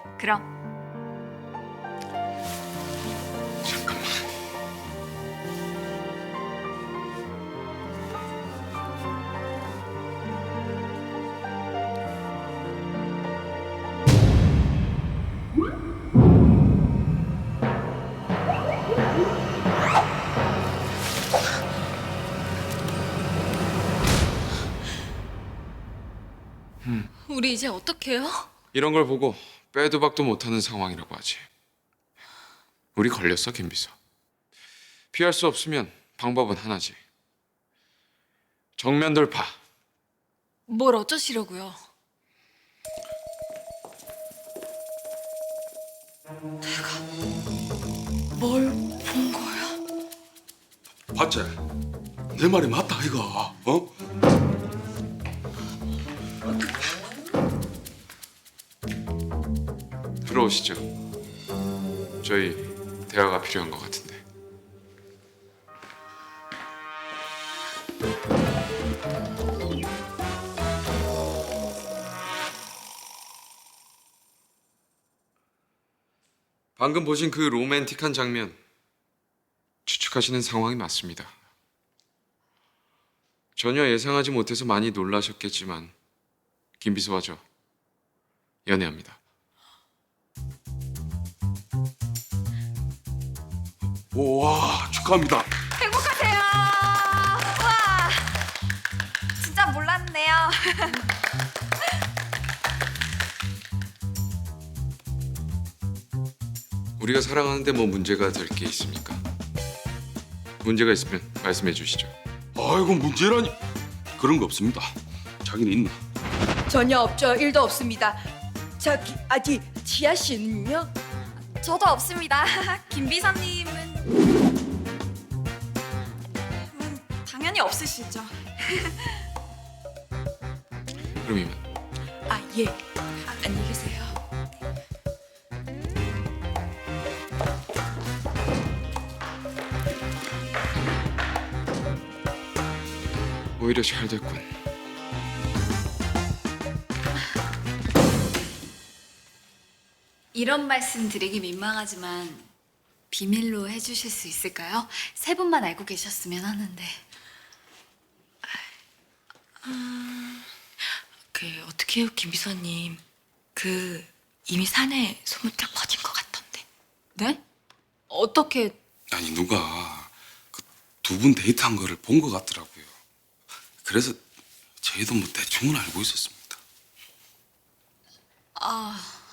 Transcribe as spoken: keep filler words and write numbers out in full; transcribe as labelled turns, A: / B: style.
A: 그럼.
B: 잠깐만.
A: 우리 이제 어떡해요?
B: 이런 걸 보고 빼도 박도 못하는 상황이라고 하지. 우리 걸렸어, 김 비서. 피할 수 없으면 방법은 하나지. 정면 돌파.
A: 뭘 어쩌시려고요? 내가 뭘 본 거야?
C: 봤지? 내 말이 맞다 이거. 어?
B: 들어오시죠. 저희 대화가 필요한 것 같은데. 방금 보신 그 로맨틱한 장면 추측하시는 상황이 맞습니다. 전혀 예상하지 못해서 많이 놀라셨겠지만 김 비서와 저 연애합니다.
C: 우와 축하합니다.
A: 행복하세요. 와, 진짜 몰랐네요.
B: 우리가 사랑하는데 뭐 문제가 될 게 있습니까? 문제가 있으면 말씀해 주시죠.
C: 아이고 문제라니. 그런 거 없습니다. 자기는 있나?
D: 전혀 없죠. 일도 없습니다. 저기 아직 지아 씨는요?
A: 저도 없습니다. 김 비서님은 음, 당연히 없으시죠.
B: 그럼 이만.
D: 아 예. 아, 안녕히 계세요.
B: 오히려 잘 됐군.
A: 이런 말씀 드리기 민망하지만 비밀로 해주실 수 있을까요? 세 분만 알고 계셨으면 하는데.
D: 그 어떻게 해요, 김 비서님? 그 이미 사내 소문 딱 퍼진 것 같던데.
A: 네? 어떻게?
C: 아니 누가 그 두 분 데이트한 거를 본 것 같더라고요. 그래서 저희도 뭐 대충은 알고 있었습니다.
A: 아,